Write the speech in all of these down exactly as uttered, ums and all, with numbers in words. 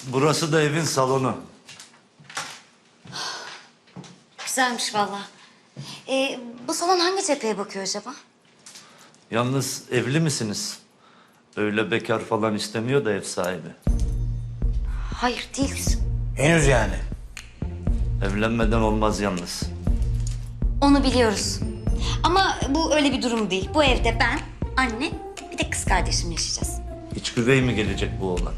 Burası da evin salonu. Güzelmiş vallahi. Ee, bu salon hangi cepheye bakıyor acaba? Yalnız evli misiniz? Öyle bekar falan istemiyor da ev sahibi. Hayır değiliz. Henüz yani. Evlenmeden olmaz yalnız. Onu biliyoruz. Ama bu öyle bir durum değil. Bu evde ben, anne, bir de kız kardeşim yaşayacağız. İç güvey mi gelecek bu oğlan?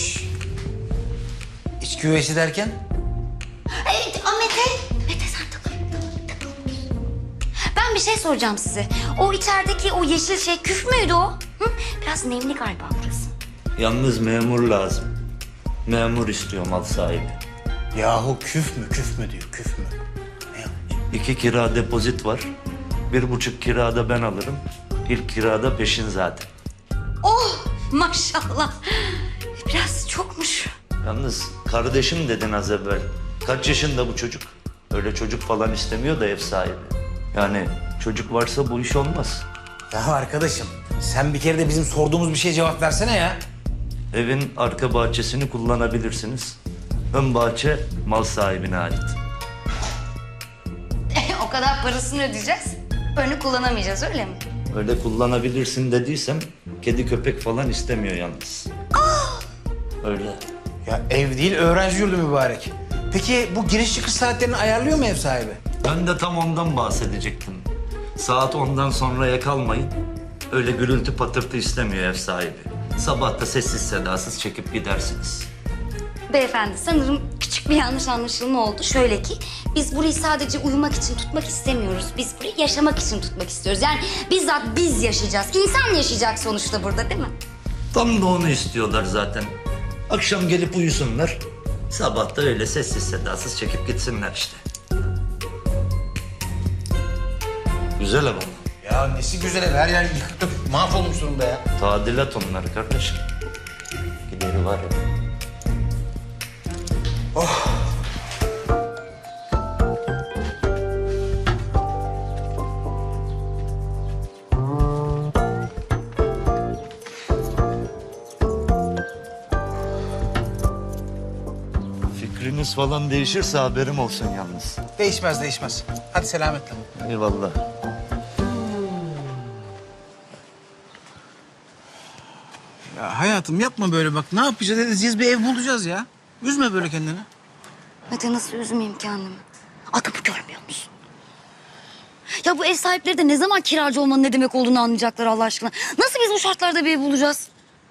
İç güveysi derken? Evet, a, Mete. Mete sen takıl. takıl. Ben bir şey soracağım size. O içerideki o yeşil şey küf müydü o? Hı? Biraz nemli galiba burası. Yalnız memur lazım. Memur istiyor mal sahibi. Yahu küf mü küf mü diyor küf mü? Ne yanlış? İki kira depozit var. Bir buçuk kirada ben alırım. İlk kirada peşin zaten. Oh maşallah. Biraz çokmuş. Yalnız kardeşim dedin az evvel. Kaç yaşında bu çocuk? Öyle çocuk falan istemiyor da ev sahibi. Yani çocuk varsa bu iş olmaz. Ya arkadaşım sen bir kere de bizim sorduğumuz bir şeye cevap versene ya. Evin arka bahçesini kullanabilirsiniz. Ön bahçe mal sahibine ait. O kadar parasını ödeyeceğiz. Önü kullanamayacağız öyle mi? Öyle kullanabilirsin dediysem kedi köpek falan istemiyor yalnız. Öyle. Ya ev değil öğrenci yurdu mübarek. Peki bu giriş çıkış saatlerini ayarlıyor mu ev sahibi? Ben de tam ondan bahsedecektim. Saat ondan sonraya kalmayın. Öyle gürültü patırtı istemiyor ev sahibi. Sabah da sessiz sedasız çekip gidersiniz. Beyefendi sanırım küçük bir yanlış anlaşılma oldu. Şöyle ki biz burayı sadece uyumak için tutmak istemiyoruz. Biz burayı yaşamak için tutmak istiyoruz. Yani bizzat biz yaşayacağız. İnsan yaşayacak sonuçta burada değil mi? Tam da onu istiyorlar zaten. Akşam gelip uyusunlar. Sabah da öyle sessiz sedasız çekip gitsinler işte. Güzel ama. Ya nesi güzel ev her yer yıkık dökük mahvolmuş durumda ya. Tadilat onları kardeşim. Gideri var ya. Fikriniz falan değişirse haberim olsun yalnız. Değişmez değişmez. Hadi selametle. Eyvallah. Ya hayatım yapma böyle bak. Ne yapacağız edeceğiz bir ev bulacağız ya. Üzme böyle kendini. Mete nasıl üzmeyeyim kendimi? Adımı görmüyor musun? Ya bu ev sahipleri de ne zaman kiracı olmanın ne demek olduğunu anlayacaklar Allah aşkına. Nasıl biz bu şartlarda bir ev bulacağız?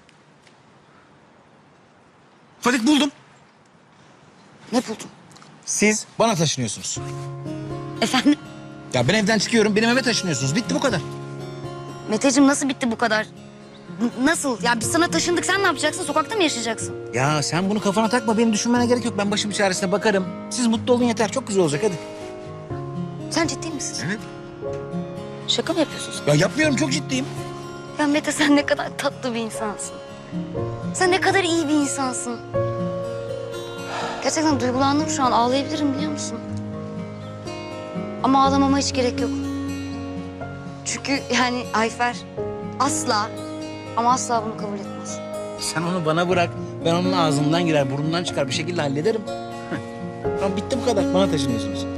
Fadik buldum. Ne buldun? Siz bana taşınıyorsunuz. Efendim? Ya ben evden çıkıyorum benim eve taşınıyorsunuz. Bitti bu kadar. Meteciğim nasıl bitti bu kadar? N- nasıl? Ya biz sana taşındık sen ne yapacaksın? Sokakta mı yaşayacaksın? Ya sen bunu kafana takma. Benim düşünmene gerek yok. Ben başımın çaresine bakarım. Siz mutlu olun yeter. Çok güzel olacak hadi. Sen ciddi misin? Evet. Şaka mı yapıyorsun sen? Ya yapmıyorum çok ciddiyim. Ya Mete sen ne kadar tatlı bir insansın. Sen ne kadar iyi bir insansın. Gerçekten duygulandım şu an. Ağlayabilirim biliyor musun? Ama ağlamama hiç gerek yok. Çünkü yani Ayfer asla ama asla bunu kabul etmez. Sen onu bana bırak. Ben onun ağzından girer, burnundan çıkar. Bir şekilde hallederim. Tamam bitti bu kadar. Bana taşınıyorsunuz.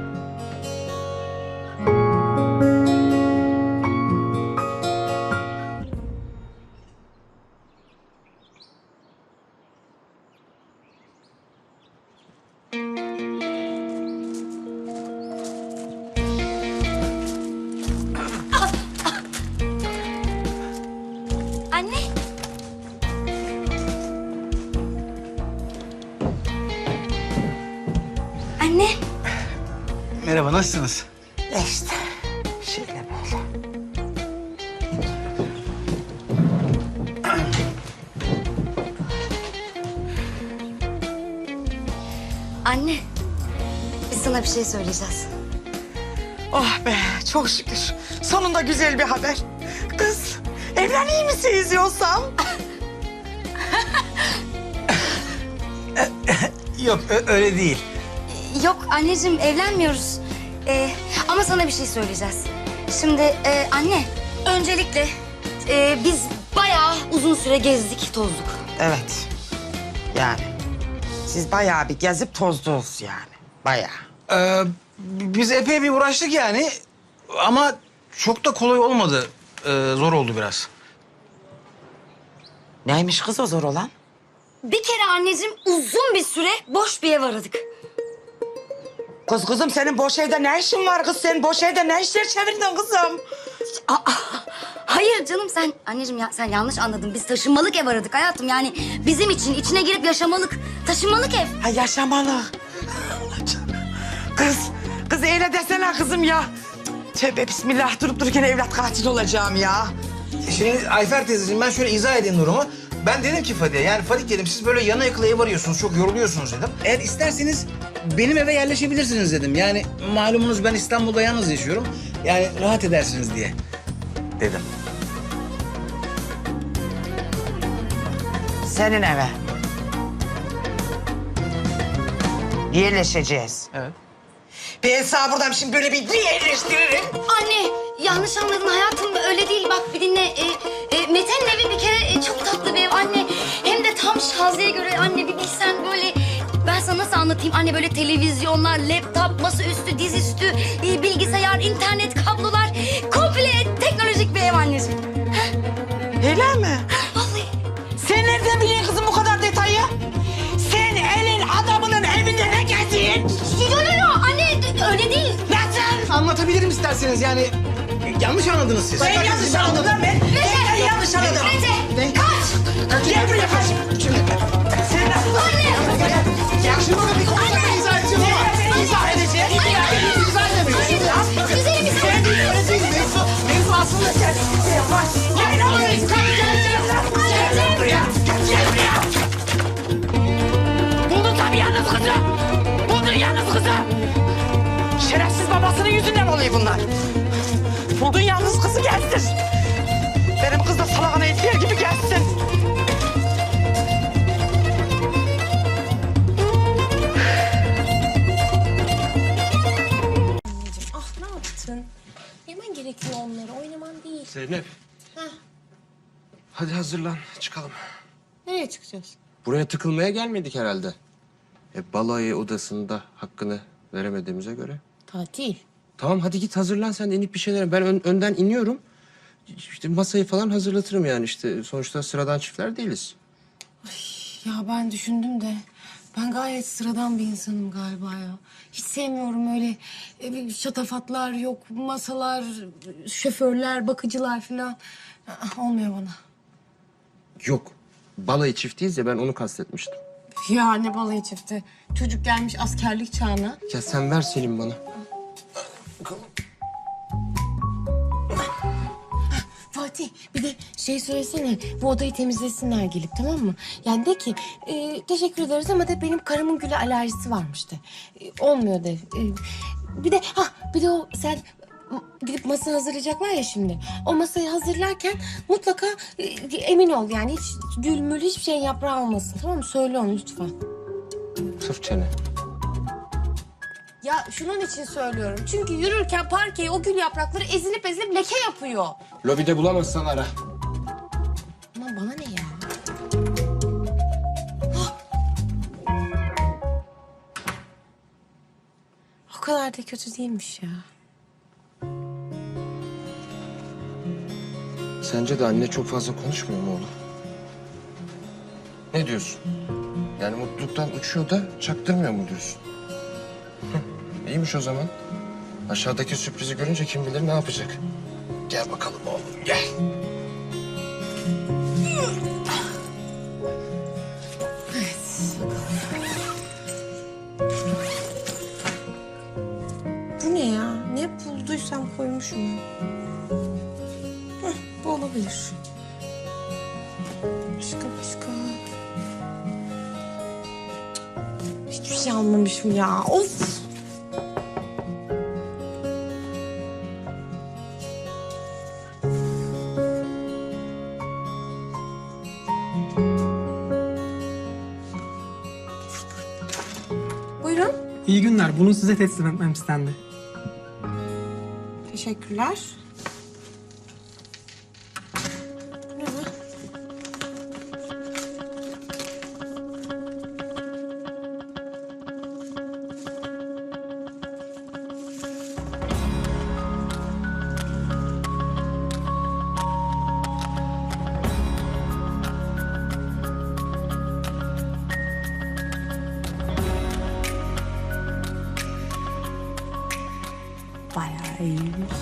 Anne. Anne. Merhaba, nasılsınız? İşte şöyle böyle. Anne. Biz sana bir şey söyleyeceğiz. Oh be çok şükür. Sonunda güzel bir haber. Kız evleneyim misiniz yoksa? Yok, ö- öyle değil. Yok anneciğim evlenmiyoruz. Ee, ama sana bir şey söyleyeceğiz. Şimdi e, anne öncelikle e, biz bayağı uzun süre gezdik tozduk. Evet. Yani Siz bayağı bir gezip tozdunuz yani. Bayağı. Ee, biz epey bir uğraştık yani. Ama çok da kolay olmadı. Ee, zor oldu biraz. Neymiş kız o zor olan? Bir kere anneciğim uzun bir süre boş bir ev aradık. Kız kızım senin boş evde ne işin var kız? Sen boş evde ne işler çevirdin kızım? Aa, hayır canım sen anneciğim ya sen yanlış anladın. Biz taşınmalık ev aradık hayatım. Yani bizim için içine girip yaşamalık, taşınmalık ev. Ha yaşamalı. Kız, kız öyle desene kızım ya. Tövbe bismillah durup dururken evlat katil olacağım ya. Şimdi Ayfer teyzeciğim ben şöyle izah edeyim durumu. Ben dedim ki Fadiye, yani Fadik dedim siz böyle yana yakıla ev arıyorsunuz, çok yoruluyorsunuz dedim. Eğer isterseniz benim eve yerleşebilirsiniz dedim. Yani malumunuz ben İstanbul'da yalnız yaşıyorum. Yani rahat edersiniz diye dedim. Senin eve. Yerleşeceğiz. Evet. Ben sana buradan şimdi böyle bir yerleştiririm. Anne yanlış anladın hayatım öyle değil. Bak bir dinle. E, e, Mete'nin evi bir kere e, çok tatlı bir ev anne. Hem de tam Şaziye'ye göre anne bir bilsen böyle... Ben sana nasıl anlatayım? Anne böyle televizyonlar, laptop, masaüstü, dizüstü, e, bilgisayar, internet, kablolar. Komple teknolojik bir ev anneciğim. Öyle mi? Vallahi. Sen nereden biliyorsun kızım bu kadar detayı? Sen elin adamının evinde ne geziyorsun? Yo yo yo anne öyle değil. Nasıl? Anlatabilirim isterseniz yani yanlış anladınız siz. Ben yanlış anladım lan ben. Ben yanlış anladım. Mete kaç. Gel buraya kaç. Sen nasıl? Anne. Ya şunu da bir konuda ben izah edeceğim ama. Ben izah edeceğim. İzah edemiyorum. Anne güzelim bir Sen değil öyle değil. Mevzu, mevzu aslında sen. Sen bak. Gel buraya. Gel gel buraya. Gel buraya. Buldun tabii yalnız kızı. Buldun yalnız kızı. Şerefsiz babasının yüzünden oluyor bunlar. Buldun yalnız kızı gelsin. Benim kız da salakana ettiği gibi gelsin. Ah ne yaptın? Yemen gerekiyor onları, oynaman değil. Zeynep. Heh. Hadi hazırlan, çıkalım. Nereye çıkacağız? Buraya tıkılmaya gelmedik herhalde. E, balayı odasında hakkını veremediğimize göre. Tatil. Tamam hadi git hazırlan sen de inip bir şeyler. Ben ön- önden iniyorum. İşte masayı falan hazırlatırım yani işte. Sonuçta sıradan çiftler değiliz. Ya ben düşündüm de ben gayet sıradan bir insanım galiba ya. Hiç sevmiyorum öyle e, şatafatlar yok, masalar, şoförler, bakıcılar falan. Ah, olmuyor bana. Yok. Balayı çiftiyiz ya ben onu kastetmiştim. Ya ne balayı çifti. Çocuk gelmiş askerlik çağına. Ya sen ver Selim bana. Fatih bir de şey söylesene bu odayı temizlesinler gelip tamam mı? Yani de ki e, teşekkür ederiz ama de benim karımın güle alerjisi varmış de. E, olmuyor de. E, bir de ha bir de o sen gidip masa hazırlayacaklar ya şimdi. O masayı hazırlarken mutlaka e, emin ol yani hiç gül mül hiçbir şey yaprağı olmasın tamam mı? Söyle onu lütfen. Sırf çene. Ya şunun için söylüyorum. Çünkü yürürken parkeye o gül yaprakları ezilip ezilip leke yapıyor. Lobide bulamazsan ara. Aman bana ne ya? O kadar da kötü değilmiş ya. Sence de anne çok fazla konuşmuyor mu oğlum? Ne diyorsun? Yani mutluluktan uçuyor da çaktırmıyor mu diyorsun? Hı, İyiymiş o zaman. Aşağıdaki sürprizi görünce kim bilir ne yapacak. Gel bakalım oğlum gel. Bu ne ya? Ne bulduysam koymuşum ya. Heh, bu olabilir. Başka başka. Cık, hiçbir şey almamışım ya. Of! Buyurun. İyi günler. Bunu size teslim etmem istendi. Teşekkürler. Ne bu? Bayağı iyiymiş.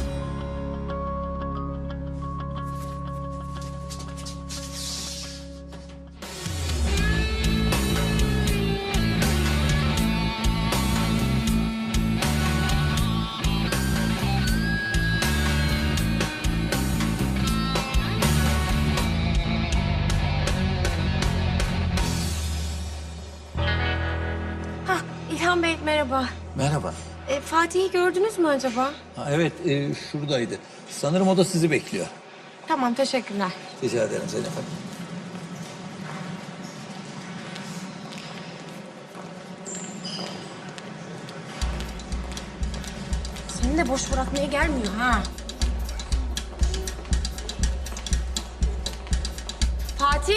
Hah, İlhan Bey merhaba. Merhaba. E, Fatih'i gördünüz mü acaba? Ha, evet, e, şuradaydı. Sanırım o da sizi bekliyor. Tamam, teşekkürler. Rica ederim Zeynep Hanım. Seni de boş bırakmaya gelmiyor ha. Fatih?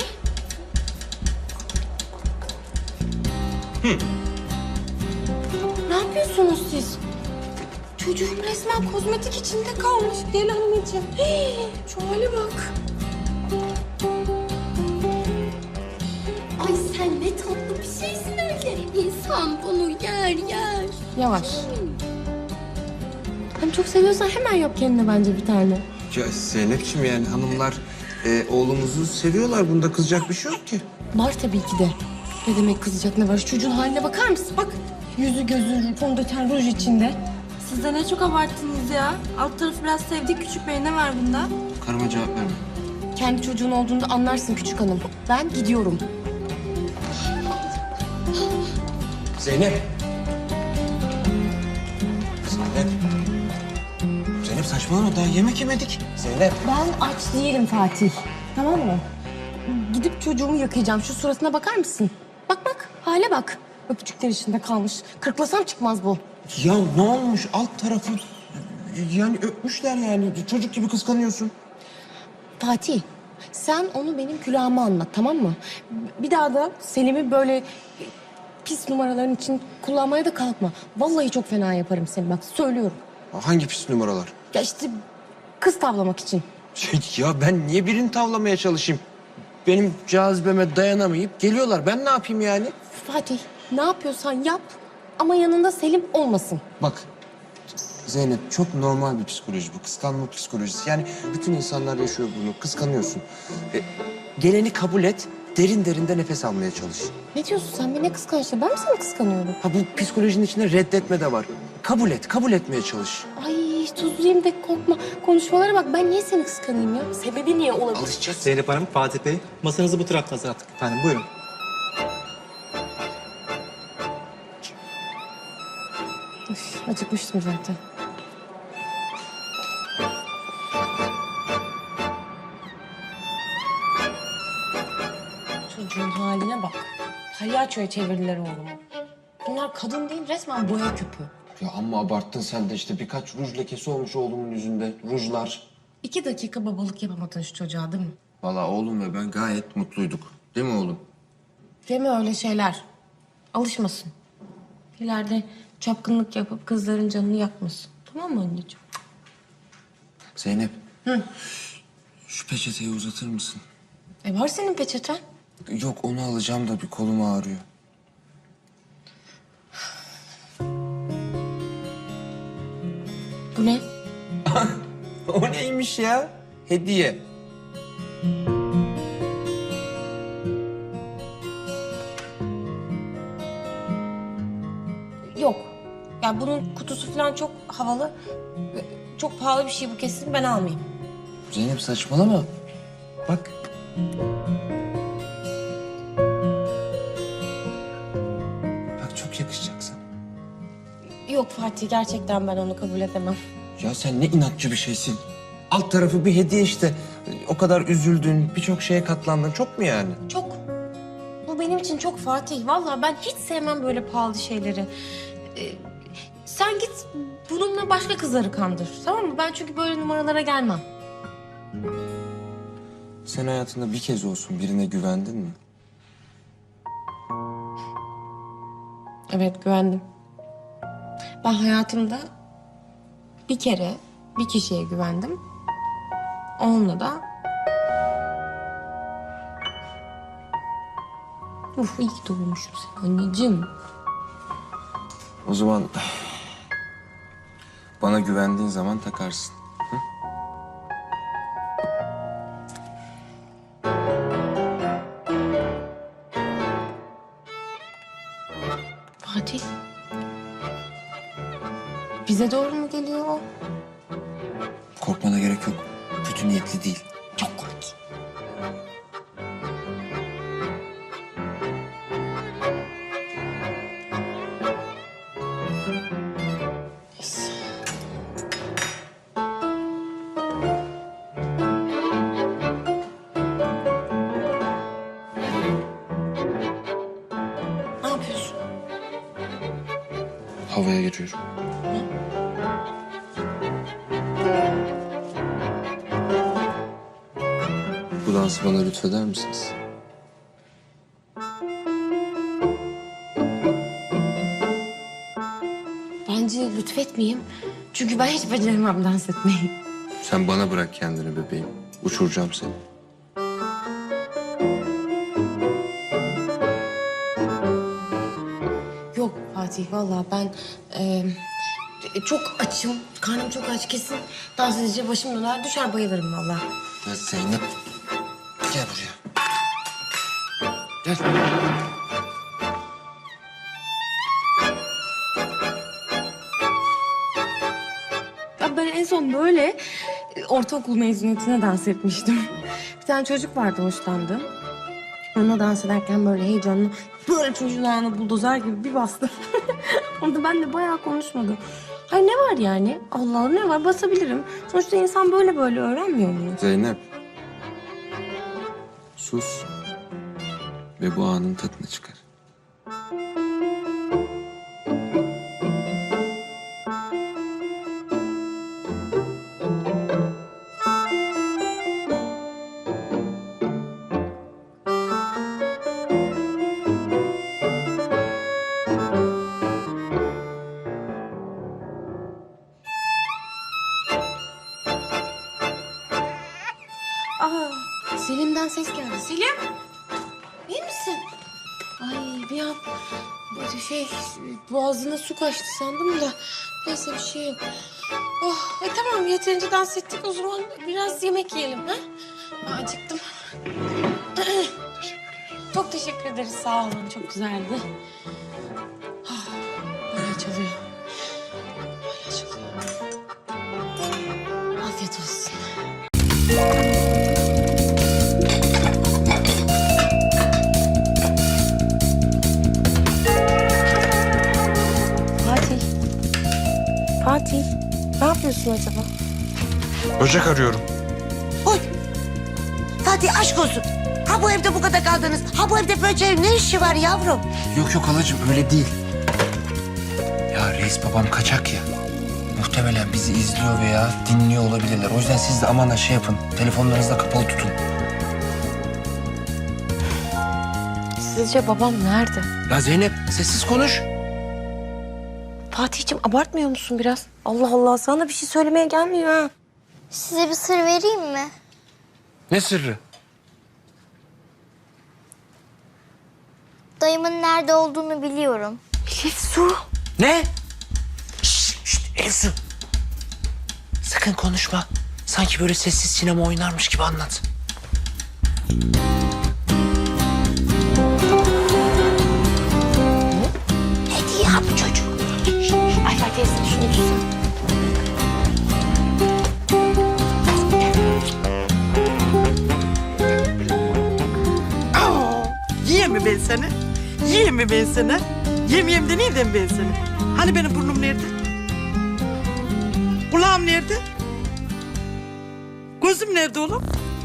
Ne yapıyorsunuz siz? Çocuğum resmen kozmetik içinde kalmış. Gel anneciğim. Hii, şu hale bak. Ay sen ne tatlı bir şeysin öyle. İnsan bunu yer yer. Yavaş. Hani çok seviyorsan hemen yap kendine bence bir tane. Ya Zeynep'ciğim yani hanımlar e, oğlumuzu seviyorlar. Bunda kızacak bir şey yok ki. Var tabii ki de. Ne demek kızacak ne var? Şu çocuğun haline bakar mısın? Bak yüzü gözü fondöten ruj içinde. Siz de ne çok abarttınız ya. Alt tarafı biraz sevdik küçük bey. Ne var bunda? Karıma cevap verme. Kendi çocuğun olduğunda anlarsın küçük hanım. Ben gidiyorum. Zeynep. Zeynep. Zeynep saçmalama daha yemek yemedik. Zeynep. Ben aç değilim Fatih. Tamam mı? Gidip çocuğumu yıkayacağım. Şu suratına bakar mısın? Bak bak, hale bak. Öpücükler içinde kalmış. Kırklasam çıkmaz bu. Ya ne olmuş alt tarafı yani öpmüşler yani çocuk gibi kıskanıyorsun. Fatih, sen onu benim külahıma anlat, tamam mı? Bir daha da Selim'i böyle pis numaraların için kullanmaya da kalkma. Vallahi çok fena yaparım seni, bak söylüyorum. Hangi pis numaralar? Ya işte kız tavlamak için. Şey, ya ben niye birini tavlamaya çalışayım? Benim cazibeme dayanamayıp geliyorlar. Ben ne yapayım yani? Fatih, ne yapıyorsan yap ama yanında Selim olmasın. Bak Zeynep çok normal bir psikoloji bu. Kıskanma psikolojisi. Yani bütün insanlar yaşıyor bunu. Kıskanıyorsun. E, geleni kabul et. Derin derin de nefes almaya çalış. Ne diyorsun sen? Beni kıskançlı. Ben mi seni kıskanıyorum? Ha bu psikolojinin içinde reddetme de var. Kabul et. Kabul etmeye çalış. Ay tuzluyum de korkma. Konuşmalara bak. Ben niye seni kıskanayım ya? Sebebi niye olabilir? Alışacağız. Zeynep Hanım, Fatih Bey, masanızı bu tarafta hazırlattık efendim. Buyurun. Üf, acıkmıştım zaten. Çocuğun haline bak. Palyaçoya çevirdiler oğlumu. Bunlar kadın değil, resmen boya küpü. Ya amma abarttın sen de işte. Birkaç ruj lekesi olmuş oğlumun yüzünde. Rujlar. İki dakika babalık yapamadın şu çocuğa değil mi? Vallahi oğlum ve ben gayet mutluyduk. Değil mi oğlum? Deme öyle şeyler. Alışmasın. İleride çapkınlık yapıp kızların canını yakmasın. Tamam mı anneciğim? Zeynep. Hı. Şu peçeteyi uzatır mısın? E var senin peçeten. Yok onu alacağım da bir kolum ağrıyor. Bu ne? O neymiş ya? Hediye. Yok. Yani bunun kutusu falan çok havalı. Çok pahalı bir şey bu, kesin ben almayayım. Zeynep saçmalama. Bak. Bak çok yakışacak sana. Yok Fatih, gerçekten ben onu kabul edemem. Ya sen ne inatçı bir şeysin. Alt tarafı bir hediye işte. O kadar üzüldün, birçok şeye katlandın. Çok mu yani? Çok. Bu benim için çok Fatih. Vallahi ben hiç sevmem böyle pahalı şeyleri. Ee, sen git bununla başka kızları kandır. Tamam mı? Ben çünkü böyle numaralara gelmem. Sen hayatında bir kez olsun birine güvendin mi? Evet, güvendim. Ben hayatımda bir kere bir kişiye güvendim. Onunla da... Uf, iyi ki doğmuşum sen anneciğim. O zaman bana Bana güvendiğin zaman takarsın. Hı? Fatih. Bize doğru mu geliyor o? Korkmana gerek yok. Kötü niyetli değil. Çok korkunç. Ne yapıyorsun? Havaya giriyorum. Bu dansı bana lütfeder misiniz? Bence lütfetmeyeyim. Çünkü ben hiç beceremem dans etmeyi. Sen bana bırak kendini bebeğim. Uçuracağım seni. Yok Fatih vallahi ben e, çok açım. Karnım çok aç kesin. Dans edince başım döner düşer bayılırım vallahi. Ya Zeynep. Gel buraya. Gel. Ya ben en son böyle e, ortaokul mezuniyetine dans etmiştim. Bir tane çocuk vardı hoşlandığım. Onunla dans ederken böyle heyecanlı böyle çocuğun ayağına buldozer gibi bir bastı. Orada ben de bayağı konuşmadım. Hayır ne var yani? Allah Allah ne var basabilirim. Sonuçta insan böyle böyle öğrenmiyor mu? Zeynep. Sus. Ve bu anın tadını çıkar. Aa, Selim'den ses geldi. Selim, iyi misin? Ay bir an böyle şey boğazına su kaçtı sandım da neyse bir şey yok. Oh, e tamam yeterince dans ettik o zaman biraz yemek yiyelim ha? Ben acıktım. Çok teşekkür ederiz sağ olun çok güzeldi. Ah, hala çalıyor. Hala çalıyor. Afiyet olsun. Fatih. Fatih. Ne yapıyorsun acaba? Böcek arıyorum. Oy! Fatih aşk olsun. Ha bu evde bu kadar kaldınız. Ha bu evde böceğin ne işi var yavrum? Yok yok halacığım öyle değil. Ya reis babam kaçak ya. Muhtemelen bizi izliyor veya dinliyor olabilirler. O yüzden siz de aman ha şey yapın. Telefonlarınızı da kapalı tutun. Sizce babam nerede? Ya Zeynep sessiz konuş. Fatih'ciğim abartmıyor musun biraz? Allah Allah sana bir şey söylemeye gelmiyor ha. Size bir sır vereyim mi? Ne sırrı? Dayımın nerede olduğunu biliyorum. Elif su. Ne? Şşt, şşt Elsu. Sakın konuşma. Sanki böyle sessiz sinema oynarmış gibi anlat. Ne diyor bu çocuk? Ay Fatih teyze şunu tutsun. Yiyeyim mi ben seni? Yiyeyim mi ben seni? Yemeyeyim de neyden ben seni? Hani benim burnum nerede? Kulağım nerede? Gözüm nerede oğlum?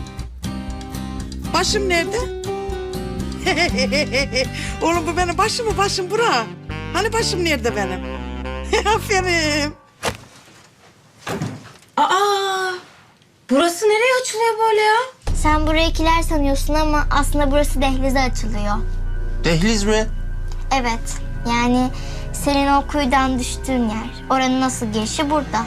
Başım nerede? Oğlum bu benim başım mı? Başım bura. Hani başım nerede benim? Aferin. Aa! Burası nereye açılıyor böyle ya? Sen burayı kiler sanıyorsun ama aslında burası dehlize açılıyor. Dehliz mi? Evet, yani senin o kuyudan düştüğün yer. Oranın nasıl girişi burada.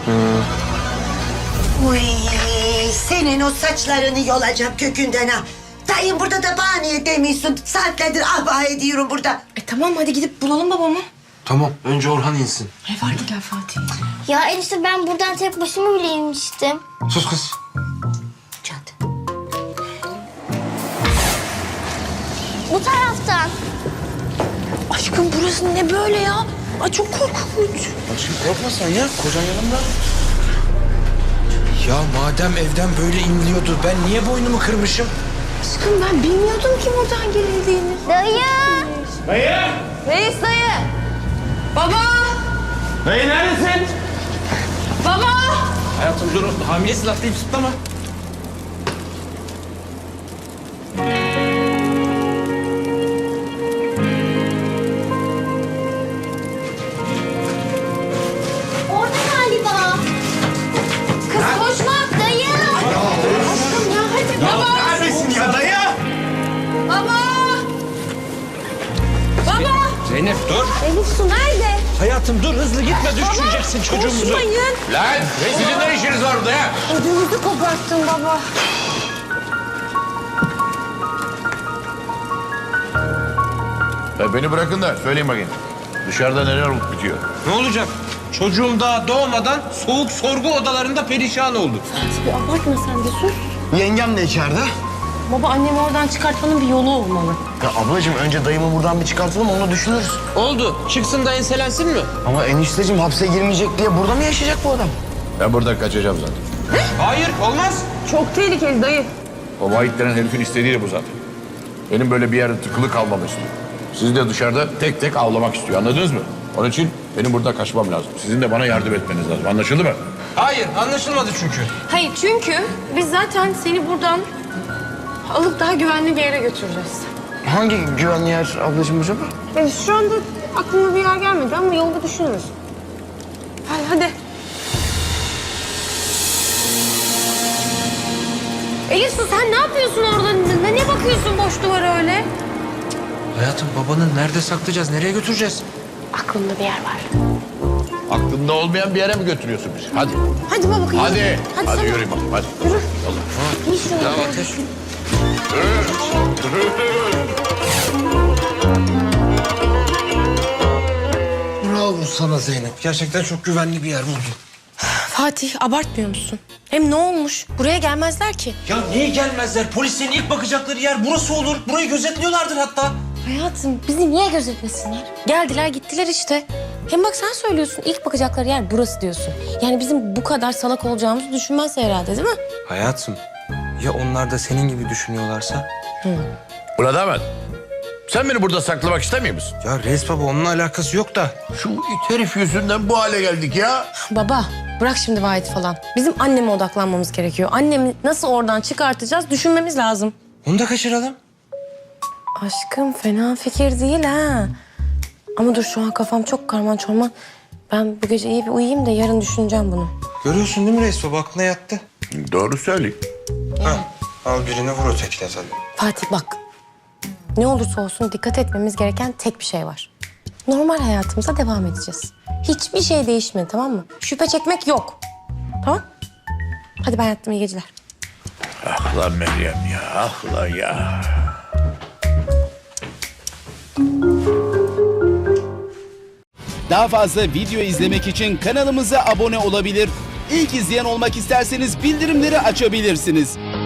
Uy, senin o saçlarını yolacağım kökünden ha. Dayım burada da bana niye demiyorsun? Saatlerdir ah bah ediyorum burada. E tamam hadi gidip bulalım babamı. Tamam, önce Orhan insin. Ne fark eder Fatih? Ya enişte ben buradan tek başıma bile inmiştim. Sus kız. Çat. Bu taraftan. Aşkım burası ne böyle ya? Ay çok korkunç. Aşkım korkma sen ya, kocan yanımda. Ya madem evden böyle inliyordu, ben niye boynumu kırmışım? Aşkım ben bilmiyordum ki buradan girildiğini. Dayı. Reis dayı. Baba. Dayı neredesin? Baba. Hayatım dur, hamilesin atlayıp zıplama. Orada galiba. Kız koşma. Dayı. Aşkım ya hadi baba. Neredesin ya dayı? Baba. Baba. Zeynep dur. Elif su nerede? Hayatım dur, hızlı gitme, düşüreceksin çocuğumuzu. Koşmayın. Lan sizin ne işiniz var burada ya? Ödümüzü koparttın baba. Ya beni bırakın da söyleyin bakayım. Dışarıda neler olup bitiyor? Ne olacak? Çocuğum daha doğmadan soğuk sorgu odalarında perişan oldu. Bir abartma sen de sus. Yengem de içeride. Baba annemi oradan çıkartmanın bir yolu olmalı. Ya ablacığım önce dayımı buradan bir çıkartalım, onu düşünürüz. Oldu. Çıksın da enselensin mi? Ama enişteciğim hapse girmeyecek diye burada mı yaşayacak bu adam? Ben buradan kaçacağım zaten. Hayır, olmaz. Çok tehlikeli dayı. O Vahit denen herifin istediği de bu zaten. Benim böyle bir yerde tıkılı kalmamı istiyor. Sizi de dışarıda tek tek avlamak istiyor. Anladınız mı? Onun için benim burada kaçmam lazım. Sizin de bana yardım etmeniz lazım. Anlaşıldı mı? Hayır, anlaşılmadı çünkü. Hayır çünkü biz zaten seni buradan alıp daha güvenli bir yere götüreceğiz. Hangi güvenli yer ablacığım acaba? Evet, şu anda aklıma bir yer gelmedi ama yolda düşünürüz. Hadi hadi. Elif su sen ne yapıyorsun orada? Ne, ne bakıyorsun boş duvara öyle? Hayatım babanı nerede saklayacağız, nereye götüreceğiz? Aklımda bir yer var. Aklında olmayan bir yere mi götürüyorsun bizi? Hadi. Hadi baba kıyım. Hadi. Hadi, sana. yürüyün bakalım. Hadi. Yürü. Allah. Ya Ateş. Bravo sana Zeynep. Gerçekten çok güvenli bir yer buldun. Fatih abartmıyor musun? Hem ne olmuş? Buraya gelmezler ki. Ya niye gelmezler? Polislerin ilk bakacakları yer burası olur. Burayı gözetliyorlardır hatta. Hayatım bizi niye gözetmesinler? Geldiler gittiler işte. Hem bak sen söylüyorsun ilk bakacakları yer burası diyorsun. Yani bizim bu kadar salak olacağımızı düşünmezse herhalde değil mi? Hayatım, ya onlar da senin gibi düşünüyorlarsa? Ulan damat. Sen beni burada saklamak istemiyor musun? Ya Reis baba onunla alakası yok da. Şu it herif yüzünden bu hale geldik ya. Baba bırak şimdi Vahit falan. Bizim anneme odaklanmamız gerekiyor. Annemi nasıl oradan çıkartacağız düşünmemiz lazım. Onu da kaçıralım. Aşkım fena fikir değil ha. Ama dur şu an kafam çok karman çorman. Ben bu gece iyi bir uyuyayım da yarın düşüneceğim bunu. Görüyorsun değil mi Reis baba? Aklına yattı. Doğru söyleyeyim. Ha, al birini vur ötekine tabii. Fatih bak. Ne olursa olsun dikkat etmemiz gereken tek bir şey var. Normal hayatımıza devam edeceğiz. Hiçbir şey değişmedi tamam mı? Şüphe çekmek yok. Tamam? Hadi ben yattım iyi geceler. Ah lan Meryem ya. Ah lan ya. Daha fazla video izlemek için kanalımıza abone olabilir. İlk izleyen olmak isterseniz bildirimleri açabilirsiniz.